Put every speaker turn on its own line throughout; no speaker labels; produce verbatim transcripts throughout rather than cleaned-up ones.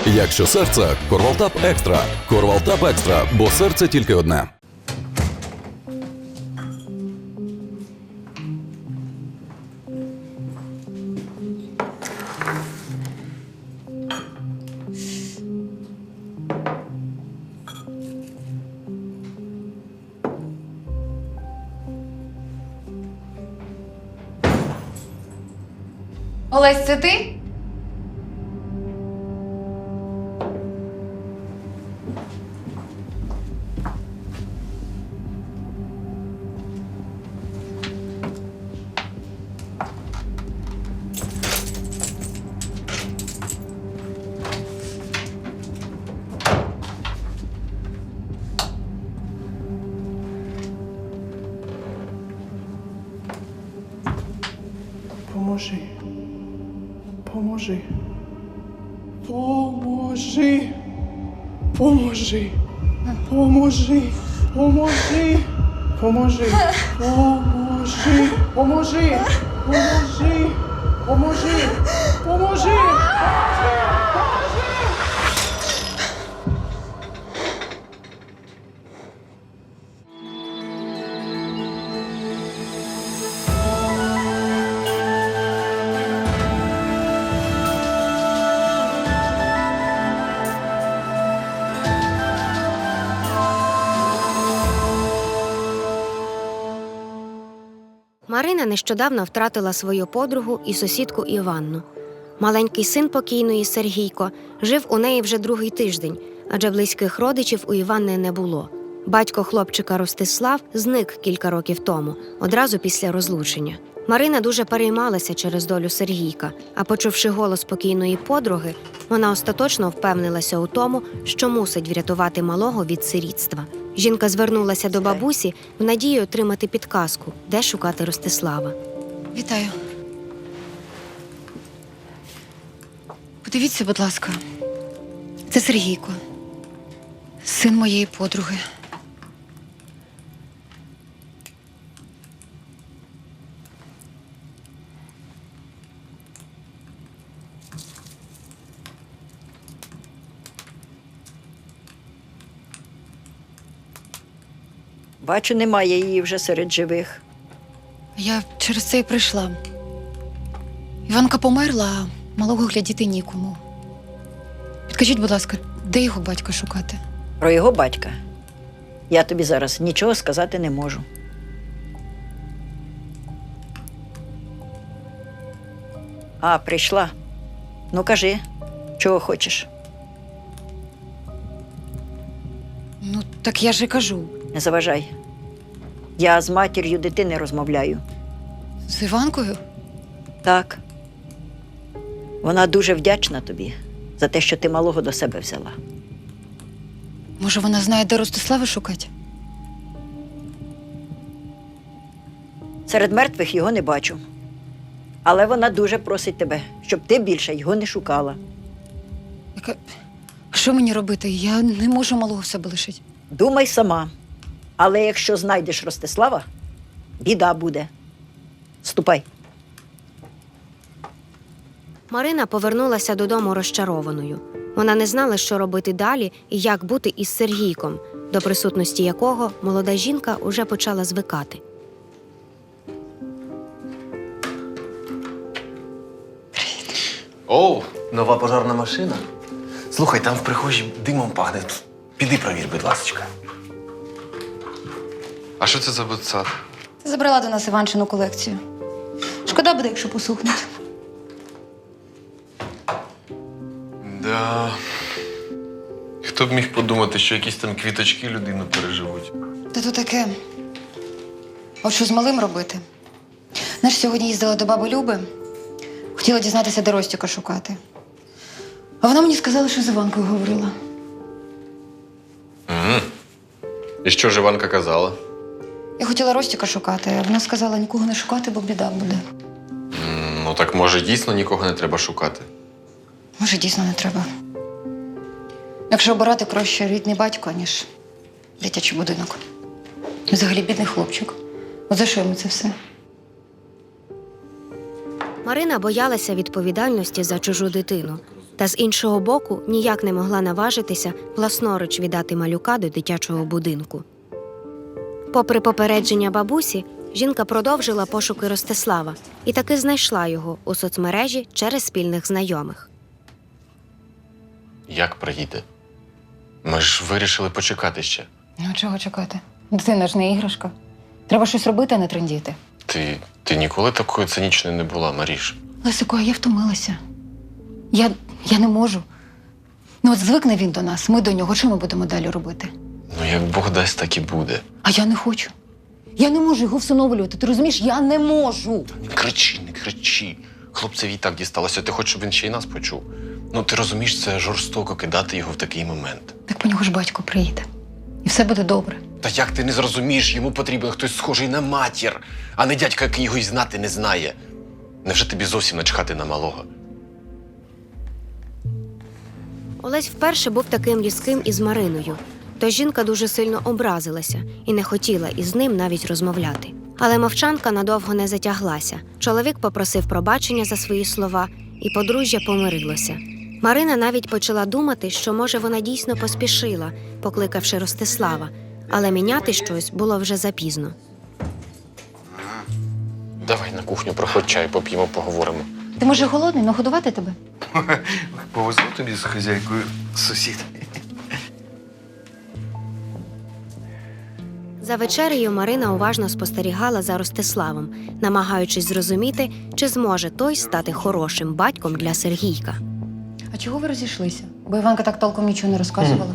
Якщо серце – Корвалтап Екстра. Корвалтап Екстра, бо серце тільки одне.
Олесь, це ти?
Поможи. Поможи. Поможи. Поможи. Поможи. Поможи. Поможи. Поможи. Поможи. Поможи. Поможи. Поможи.
Марина нещодавно втратила свою подругу і сусідку Іванну. Маленький син покійної Сергійко жив у неї вже другий тиждень, адже близьких родичів у Іванни не було. Батько хлопчика Ростислав зник кілька років тому, одразу після розлучення. Марина дуже переймалася через долю Сергійка, а почувши голос покійної подруги, вона остаточно впевнилася у тому, що мусить врятувати малого від сирітства. Жінка звернулася до бабусі в надії отримати підказку, де шукати Ростислава.
Вітаю. Подивіться, будь ласка. Це Сергійко. Син моєї подруги.
Бачу, немає її вже серед живих.
Я через це і прийшла. Іванка померла, а малого глядіти нікому. Підкажіть, будь ласка, де його батька шукати?
Про його батька я тобі зараз нічого сказати не можу. А, прийшла. Ну, кажи, чого хочеш?
Ну, так я ж і кажу.
Не заважай. Я з матір'ю дитини розмовляю.
З Іванкою?
Так. Вона дуже вдячна тобі за те, що ти малого до себе взяла.
Може, вона знає, де Ростислава шукати?
Серед мертвих його не бачу. Але вона дуже просить тебе, щоб ти більше його не шукала.
Яка... А що мені робити? Я не можу малого в себе лишити.
Думай сама. Але якщо знайдеш Ростислава, біда буде. Ступай.
Марина повернулася додому розчарованою. Вона не знала, що робити далі і як бути із Сергійком, до присутності якого молода жінка уже почала звикати.
Оу, нова пожарна машина. Слухай, там в прихожій димом пахне. Піди провір, будь ласочка.
А що це за ботсад?
Ти забрала до нас Іванчину колекцію. Шкода буде, якщо посухнуть.
Да. Хто б міг подумати, що якісь там квіточки людину переживуть?
Та то таке. От що з малим робити? Знаєш, сьогодні їздила до баби Люби. Хотіла дізнатися, де Ростіка шукати. А вона мені сказала, що з Іванкою говорила.
Угу. І що ж Іванка казала?
Я хотіла Ростіка шукати, а вона сказала, нікого не шукати, бо біда буде.
М, Ну так може дійсно нікого не треба шукати.
Може, дійсно не треба. Якщо обирати, краще рідний батько, ніж дитячий будинок. Взагалі бідний хлопчик. От за що йому це все?
Марина боялася відповідальності за чужу дитину. та з іншого боку ніяк не могла наважитися власноруч віддати малюка до дитячого будинку. Попри попередження бабусі, жінка продовжила пошуки Ростислава і таки знайшла його у соцмережі через спільних знайомих.
Як приїде? Ми ж вирішили почекати ще.
Ну, чого чекати? Дитина ж не іграшка. Треба щось робити, а не трендіти.
Ти, ти ніколи такою цинічною не була, Маріш.
Лесико, а я втомилася. Я, я не можу. Ну от звикне він до нас, ми до нього. Що ми будемо далі робити?
Ну, як Бог дасть, так і буде.
А я не хочу. Я не можу його всиновлювати. Ти розумієш? Я не можу.
Не кричи, не кричи. Хлопцеві і так дісталося. Ти хочеш, щоб він ще й нас почув? Ну, ти розумієш, це жорстоко кидати його в такий момент.
Так по нього ж батько приїде. І все буде добре.
Та як ти не зрозумієш, йому потрібен хтось схожий на матір, а не дядька, який його й знати не знає. Невже тобі зовсім начхати на малого?
Олесь вперше був таким різким із Мариною, тож жінка дуже сильно образилася і не хотіла із ним навіть розмовляти. Але мовчанка надовго не затяглася. Чоловік попросив пробачення за свої слова, і подружжя помирилося. Марина навіть почала думати, що, може, вона дійсно поспішила, покликавши Ростислава, але міняти щось було вже запізно.
Давай на кухню, проходь чай, поп'ємо, поговоримо.
Ти, може, голодний? Нагодувати тебе?
Повезло тобі з хазяйкою сусід.
За вечерею Марина уважно спостерігала за Ростиславом, намагаючись зрозуміти, чи зможе той стати хорошим батьком для Сергійка.
А чого ви розійшлися? Бо Іванка так толком нічого не розказувала.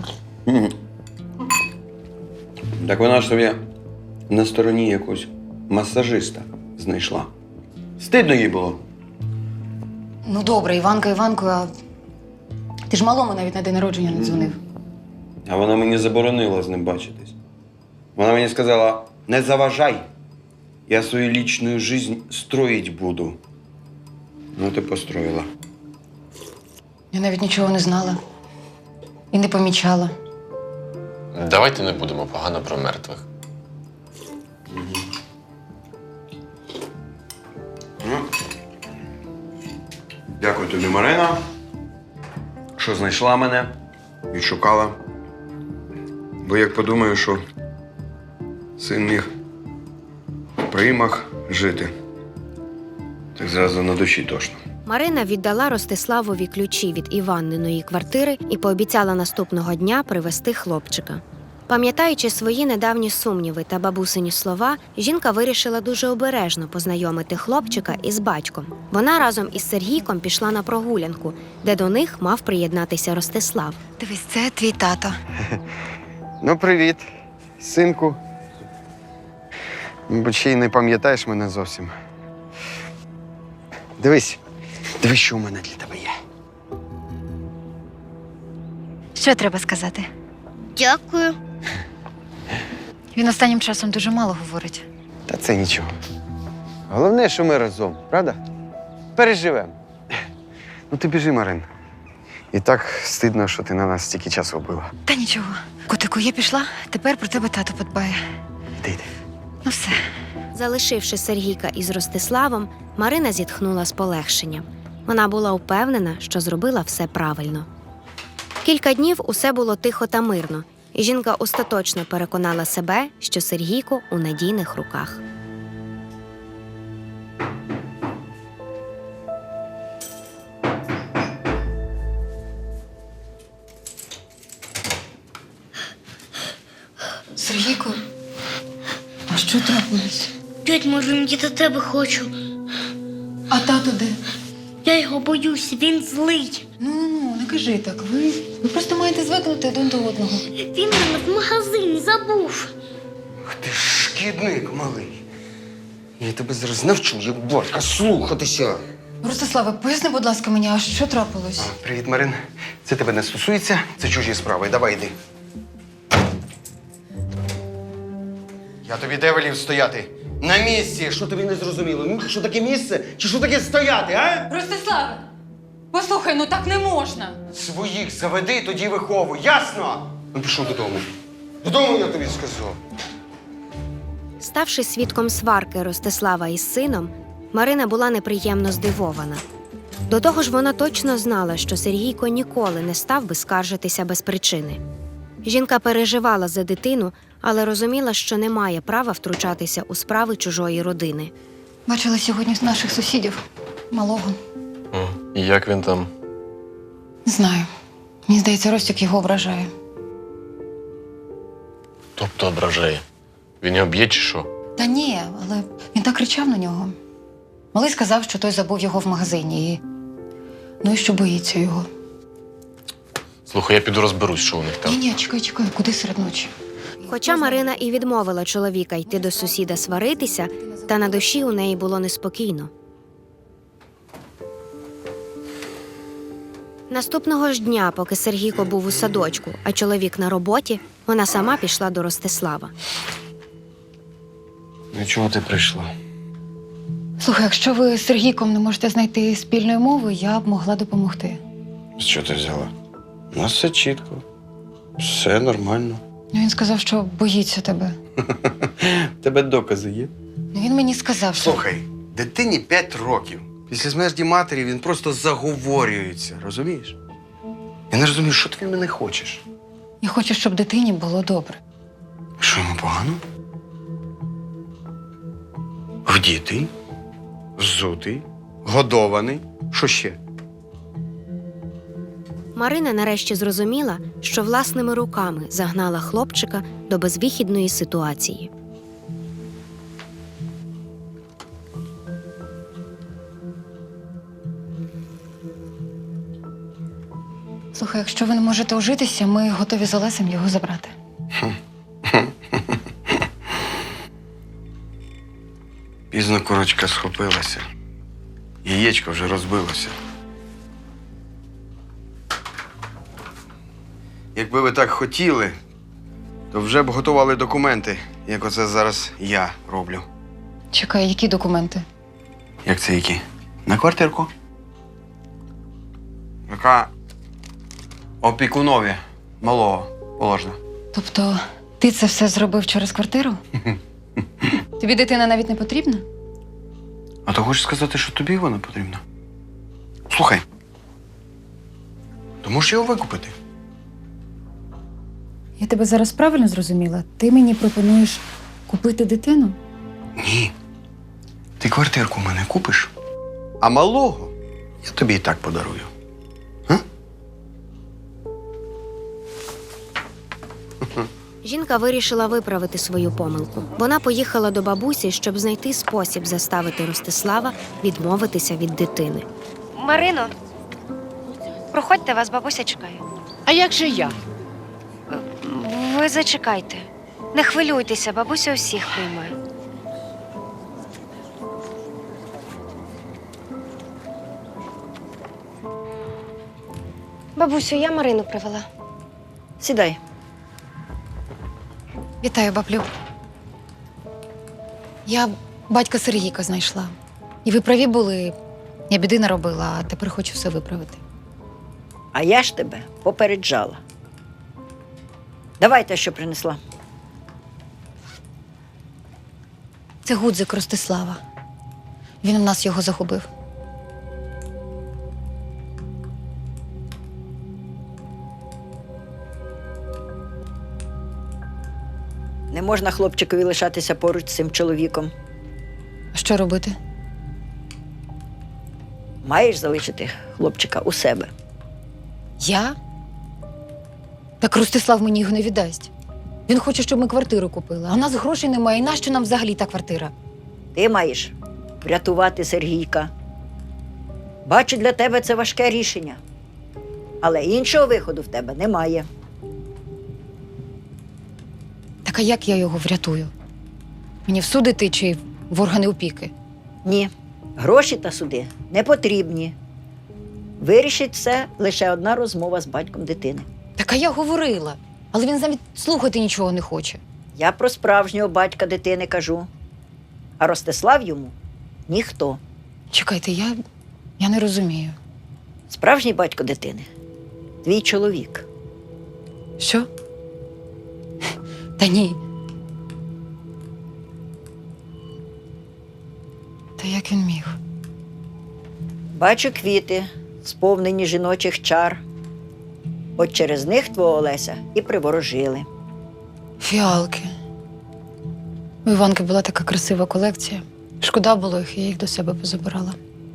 Так вона ж собі на стороні якогось масажиста знайшла. Стидно їй було.
Ну добре, Іванка, Іванкою, а ти ж малому навіть на день народження не дзвонив.
А вона мені заборонила з ним бачитись. Вона мені сказала: не заважай, я свою лічну життя строїть буду. Ну, ти построїла.
Я навіть нічого не знала. І не помічала.
Давайте не будемо погано про мертвих.
Дякую тобі, Марина, що знайшла мене, відшукала. Бо як подумаю, що син міг в приймах жити, так зразу на душі тошно.
Марина віддала Ростиславові ключі від Іванниної квартири і пообіцяла наступного дня привезти хлопчика. Пам'ятаючи свої недавні сумніви та бабусині слова, жінка вирішила дуже обережно познайомити хлопчика із батьком. Вона разом із Сергійком пішла на прогулянку, де до них мав приєднатися Ростислав.
Дивись, це твій тато.
Ну, привіт, синку. Бо ще й не пам'ятаєш мене зовсім. Дивись, дивись, що у мене для тебе є.
Що треба сказати?
Дякую.
Він останнім часом дуже мало говорить.
Та це нічого. Головне, що ми разом, правда? Переживемо. Ну, ти біжи, Марин. І так стидно, що ти на нас стільки часу вбила.
Та нічого. Котику, я пішла, тепер про тебе тато подбає.
Іди, йди.
Ну все.
Залишивши Сергійка із Ростиславом, Марина зітхнула з полегшенням. Вона була впевнена, що зробила все правильно. Кілька днів усе було тихо та мирно, і жінка остаточно переконала себе, що Сергійко у надійних руках.
Сергійко, а що трапилось?
Тьоть, Марин, я до тебе хочу.
А тато де?
Я його боюсь, він злий.
Ну, ну, не кажи так. Ви, ви просто маєте звикнути один до одного.
Він мене в магазині забув.
Ах ти ж шкідник малий. Я тебе зараз навчу, як батька, слухатися.
Ростиславе, поясни, будь ласка, мені, а що трапилось?
Привіт, Марин. Це тебе не стосується, це чужі справи. Давай йди. Я тобі де велів стояти? На місці! Що тобі не зрозуміло? Ну, що таке місце? Чи що таке стояти, а?
Ростиславе, послухай, ну так не можна.
Своїх заведи, тоді виховуй. Ясно? Ну, пішов додому. Додому, я тобі сказав.
Ставши свідком сварки Ростислава із сином, Марина була неприємно здивована. До того ж, вона точно знала, що Сергійко ніколи не став би скаржитися без причини. Жінка переживала за дитину, але розуміла, що не має права втручатися у справи чужої родини.
Бачила сьогодні наших сусідів, малого.
О, і як він там?
Не знаю. Мені здається, Ростик його ображає.
Тобто ображає. Він його б'є чи що?
Та ні, але він так кричав на нього. Малий сказав, що той забув його в магазині і. Ну і що боїться його.
Слухай, я піду розберусь, що у них там.
Ні, ні, чекай, чекай, куди серед ночі?
Хоча Марина і відмовила чоловіка йти до сусіда сваритися, та на душі у неї було неспокійно. Наступного ж дня, поки Сергійко був у садочку, а чоловік на роботі, вона сама пішла до Ростислава.
Ну чому ти прийшла?
Слухай, якщо ви з Сергійком не можете знайти спільної мови, я б могла допомогти.
З чого ти взяла? У нас все чітко. Все нормально.
Ну, він сказав, що боїться тебе.
У тебе докази є?
Ну, він мені сказав, що.
Слухай, дитині п'ять років. Після смерті матері він просто заговорюється, розумієш? Я не розумію, що ти від мене хочеш.
Я хочу, щоб дитині було добре.
Що йому погано? Вдітий, взутий, годований. Що ще?
Марина нарешті зрозуміла, що власними руками загнала хлопчика до безвихідної ситуації.
Слухай, якщо ви не можете ожитися, ми готові з Олесем його забрати.
Пізно курочка схопилася. Яєчко вже розбилося. Якби ви так хотіли, то вже б готували документи, як оце зараз я роблю.
Чекай, які документи?
Як це які? На квартирку. Яка опікунові малого положена.
Тобто, ти це все зробив через квартиру? Тобі дитина навіть не потрібна?
А то хочеш сказати, що тобі вона потрібна? Слухай, то можеш його викупити.
Я тебе зараз правильно зрозуміла? Ти мені пропонуєш купити дитину?
Ні. Ти квартирку в мене купиш, а малого я тобі і так подарую.
Жінка вирішила виправити свою помилку. Вона поїхала до бабусі, щоб знайти спосіб заставити Ростислава відмовитися від дитини. Марино, проходьте, вас бабуся чекає.
А як же я?
Ви зачекайте. Не хвилюйтеся, бабуся усіх приймає. Бабусю, я Марину привела.
Сідай.
Вітаю, баблю. Я батька Сергійка знайшла. І ви праві були. Я біди наробила, а тепер хочу все виправити.
А я ж тебе попереджала. Давай те, що принесла.
Це гудзик Ростислава. Він у нас його загубив.
Не можна хлопчикові лишатися поруч з цим чоловіком.
А що робити?
Маєш залишити хлопчика у себе.
Я? Так Ростислав мені його не віддасть. Він хоче, щоб ми квартиру купили. А у нас грошей немає. І нащо нам взагалі та квартира?
Ти маєш врятувати Сергійка. Бачу, для тебе це важке рішення. Але іншого виходу в тебе немає.
Так а як я його врятую? Мені в суд іти чи в органи опіки?
Ні, гроші та суди не потрібні. Вирішить все лише одна розмова з батьком дитини.
Так а я говорила. Але він навіть слухати нічого не хоче.
Я про справжнього батька дитини кажу. А Ростислав йому ніхто.
Чекайте, я, я не розумію.
Справжній батько дитини – твій чоловік.
Що? Та ні. Та як він міг?
Бачу квіти, сповнені жіночих чар. От через них твого Олеся і приворожили.
Фіалки. У Іванки була така красива колекція. Шкода було їх, я їх до себе позабирала.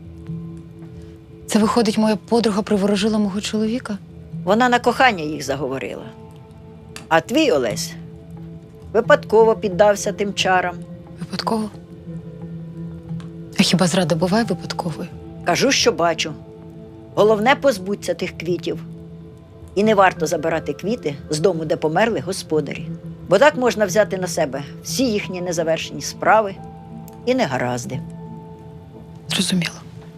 Це виходить, моя подруга приворожила мого чоловіка?
Вона на кохання їх заговорила. А твій Олесь випадково піддався тим чарам.
Випадково? А хіба зрада буває випадковою?
Кажу, що бачу. Головне позбудься тих квітів. І не варто забирати квіти з дому, де померли господарі. Бо так можна взяти на себе всі їхні незавершені справи і негаразди.
Зрозуміло.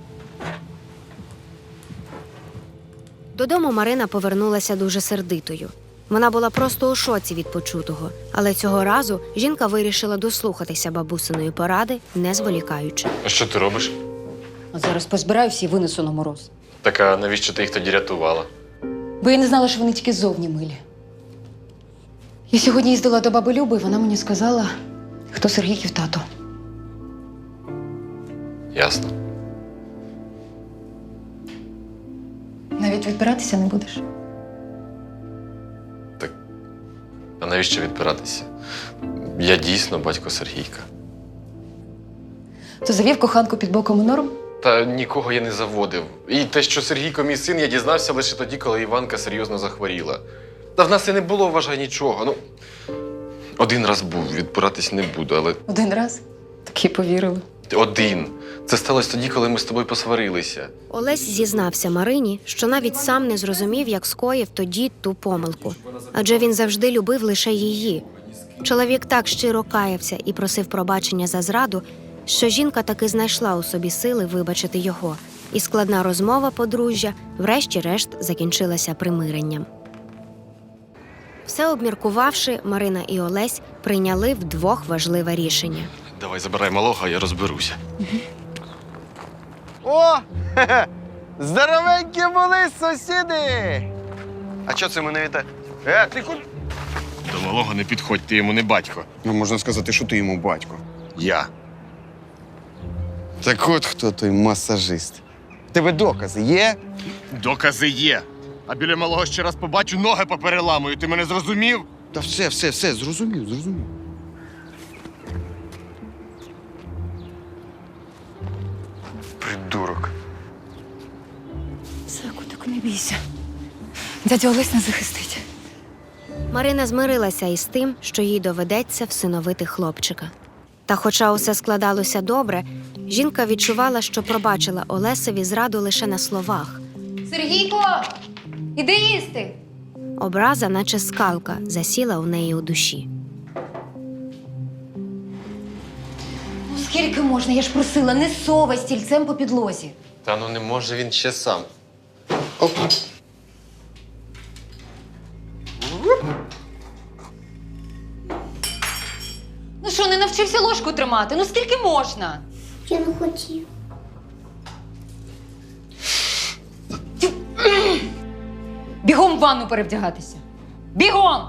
Додому Марина повернулася дуже сердитою. Вона була просто у шоці від почутого, але цього разу жінка вирішила дослухатися бабусиної поради, не зволікаючи.
А що ти робиш?
А зараз позбираюся і винесу на мороз.
Так а навіщо ти їх тоді рятувала?
Бо я не знала, що вони тільки ззовні милі. Я сьогодні їздила до баби Люби, і вона мені сказала, хто Сергійків тато.
Ясно.
Навіть відбиратися не будеш.
А навіщо відпиратися? Я дійсно батько Сергійка.
То завів коханку під боком і норм?
Та нікого я не заводив. І те, що Сергійко мій син, я дізнався лише тоді, коли Іванка серйозно захворіла. Та в нас і не було, вважай, нічого. Ну, один раз був, відпиратись не буду, але
Один раз. Так і повірили.
один. Це сталося тоді, коли ми з тобою посварилися.
Олесь зізнався Марині, що навіть сам не зрозумів, як скоїв тоді ту помилку. Адже він завжди любив лише її. Чоловік так щиро каявся і просив пробачення за зраду, що жінка таки знайшла у собі сили вибачити його. І складна розмова подружжя врешті-решт закінчилася примиренням. Все обміркувавши, Марина і Олесь прийняли вдвох важливе рішення.
Давай забирай малого, а я розберуся.
О! Хе-хе! Здоровенькі були сусіди! А чого це мене вітає? Е, ти куди?
До малого не підходь, ти йому не батько.
Ну, можна сказати, що ти йому батько.
Я.
Так от хто той масажист. В тебе докази є?
Докази є. А біля малого ще раз побачу, ноги попереламую. Ти мене зрозумів?
Та все, все, все, зрозумів, зрозумів. Придурок.
Все, котику, не бійся. Дядя Олесь нас захистить.
Марина змирилася із тим, що їй доведеться всиновити хлопчика. Та хоча усе складалося добре, жінка відчувала, що пробачила Олесеві зраду лише на словах.
Сергійко! Іди їсти!
Образа, наче скалка, засіла у неї у душі.
Ну скільки можна? Я ж просила, не совай стільцем по підлозі.
Та ну не може він ще сам.
Ну що, не навчився ложку тримати? Ну скільки можна?
Я не хотів.
Бігом в ванну перевдягатися. Бігом!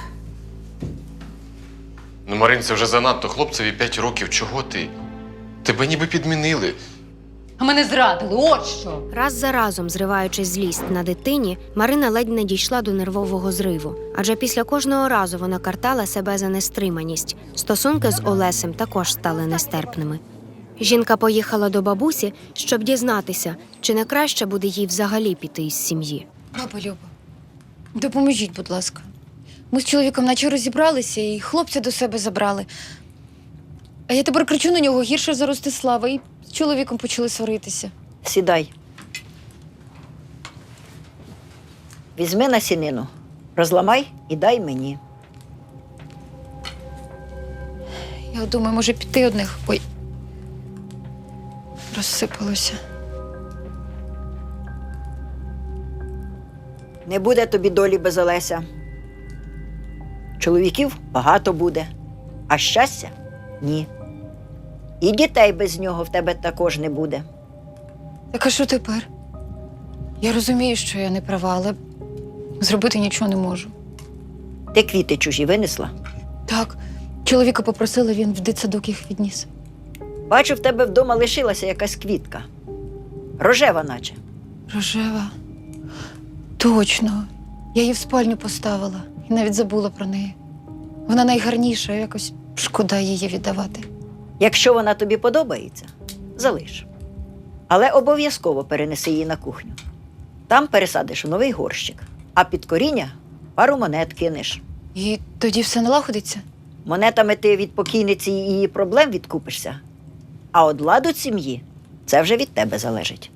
Ну, Марин, це вже занадто. Хлопцеві п'ять років. Чого ти? Тебе ніби підмінили.
А мене зрадили, от що.
Раз за разом, зриваючи злість на дитині, Марина ледь не дійшла до нервового зриву. Адже після кожного разу вона картала себе за нестриманість. Стосунки з Олесем також стали нестерпними. Жінка поїхала до бабусі, щоб дізнатися, чи не краще буде їй взагалі піти із сім'ї.
Баба Люба, допоможіть, будь ласка. Ми з чоловіком наче розібралися і хлопця до себе забрали. А я тепер кричу на нього гірше за Ростислава, і з чоловіком почали сваритися.
Сідай. Візьми насінину, розламай і дай мені.
Я думаю, може піти одних. Ой. Розсипалося.
Не буде тобі долі без Олеся. Чоловіків багато буде, а щастя – ні. І дітей без нього в тебе також не буде.
Так а що тепер? Я розумію, що я не права, але зробити нічого не можу.
Ти квіти чужі винесла?
Так, чоловіка попросила, він в дитсадок їх відніс.
Бачу, в тебе вдома лишилася якась квітка. Рожева наче.
Рожева. Точно. Я її в спальню поставила і навіть забула про неї. Вона найгарніша, якось шкода її віддавати.
Якщо вона тобі подобається, залиш. Але обов'язково перенеси її на кухню. Там пересадиш у новий горщик, а під коріння пару монет кинеш.
І тоді все налагодиться?
Монетами ти від покійниці і її проблем відкупишся, а от ладу сім'ї – це вже від тебе залежить.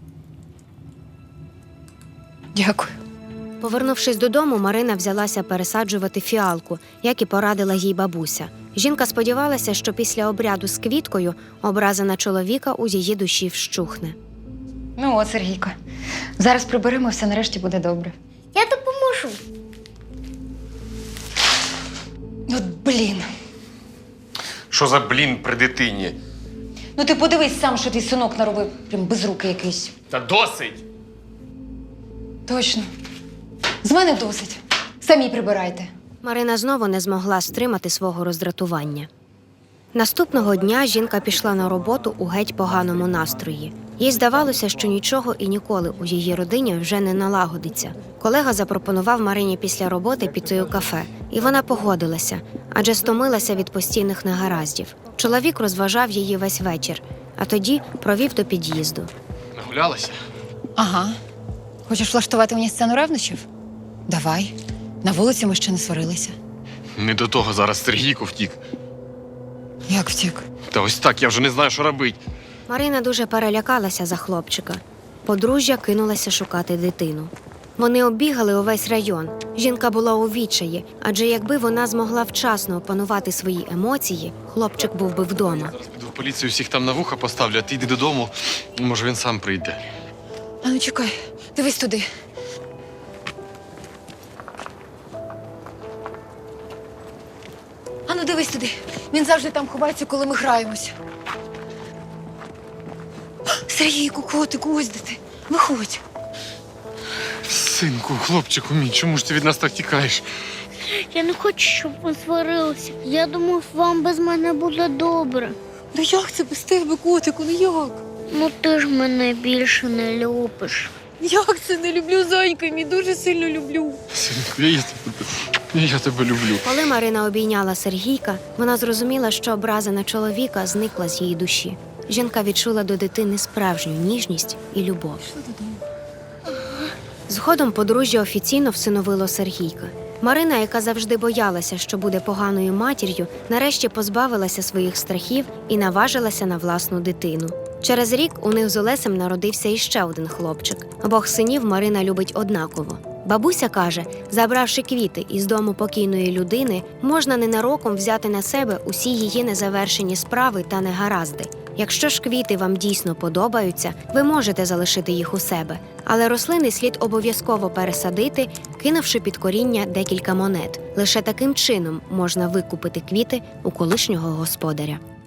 Дякую.
Повернувшись додому, Марина взялася пересаджувати фіалку, як і порадила їй бабуся. Жінка сподівалася, що після обряду з квіткою образа на чоловіка у її душі вщухне.
Ну от, Сергійко, зараз приберемо, все нарешті буде добре.
Я допоможу.
От блін.
Що за блін при дитині?
Ну ти подивись сам, що твій синок наробив, прям без руки якийсь.
Та досить!
Точно. З мене досить. Самі прибирайте.
Марина знову не змогла стримати свого роздратування. Наступного дня жінка пішла на роботу у геть поганому настрої. Їй здавалося, що нічого і ніколи у її родині вже не налагодиться. Колега запропонував Марині після роботи піти у кафе, і вона погодилася, адже стомилася від постійних негараздів. Чоловік розважав її весь вечір, а тоді провів до під'їзду.
Нагулялася?
Ага. Хочеш влаштувати мені сцену ревнощів? Давай. На вулиці ми ще не сварилися.
Не до того зараз Сергійко втік.
Як втік?
Та ось так, я вже не знаю, що робити.
Марина дуже перелякалася за хлопчика. Подружжя кинулася шукати дитину. Вони оббігали увесь район. Жінка була у відчаї, адже якби вона змогла вчасно опанувати свої емоції, хлопчик був би вдома.
Зараз піду в поліцію, всіх там на вуха поставлю, а ти йди додому, може він сам прийде.
А ну чекай, дивись туди. А ну дивись туди. Він завжди там ховається, коли ми граємося. Сергійку, котику, ось де ти. Виходь.
Синку, хлопчику мій, чому ж ти від нас так тікаєш?
Я не хочу, щоб ви сварилися. Я думав, вам без мене буде добре.
Ну як це без тебе, котику, ну як?
Ну ти ж мене більше не любиш.
Як це не люблю, зайка, мій дуже сильно люблю.
Синку, я тебе, я тебе люблю.
Коли Марина обійняла Сергійка, вона зрозуміла, що образа на чоловіка зникла з її душі. Жінка відчула до дитини справжню ніжність і любов. Згодом подружжя офіційно всиновило Сергійка. Марина, яка завжди боялася, що буде поганою матір'ю, нарешті позбавилася своїх страхів і наважилася на власну дитину. Через рік у них з Олесем народився іще один хлопчик. Обох синів Марина любить однаково. Бабуся каже, забравши квіти із дому покійної людини, можна ненароком взяти на себе усі її незавершені справи та негаразди. Якщо ж квіти вам дійсно подобаються, ви можете залишити їх у себе, але рослини слід обов'язково пересадити, кинувши під коріння декілька монет. Лише таким чином можна викупити квіти у колишнього господаря.